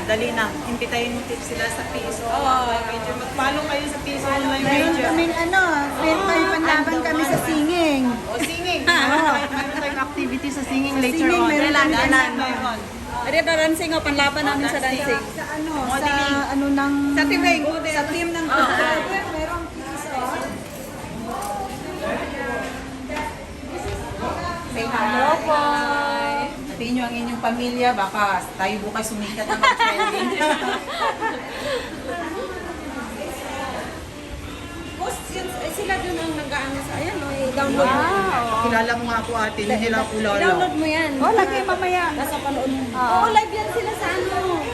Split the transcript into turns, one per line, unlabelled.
Dali na. Impitayin mo tips sila sa PSO. Major. Mag-follow kayo sa PSO online
Meron
major.
kaming may panlaban kami sa singing.
O, singing. Meron tayong activity sa singing later
singing,
on.
meron kami
Meron.
Ari na dancing o, panlaban namin sa dancing.
Sa ano ng...
Sa team ng
Sa team ng merong piso.
Say hello po. Sabihin nyo ang inyong pamilya, baka tayo bukas sumikat na mag-trending.
Sila dun ang nag-aano sa ayan, i-download mo.
Kilala mo nga po ate, hindi nila kulala.
I-download mo yan.
Oh, lagi mamaya.
Nasa panood mo. Oo, live yan sila sa ano.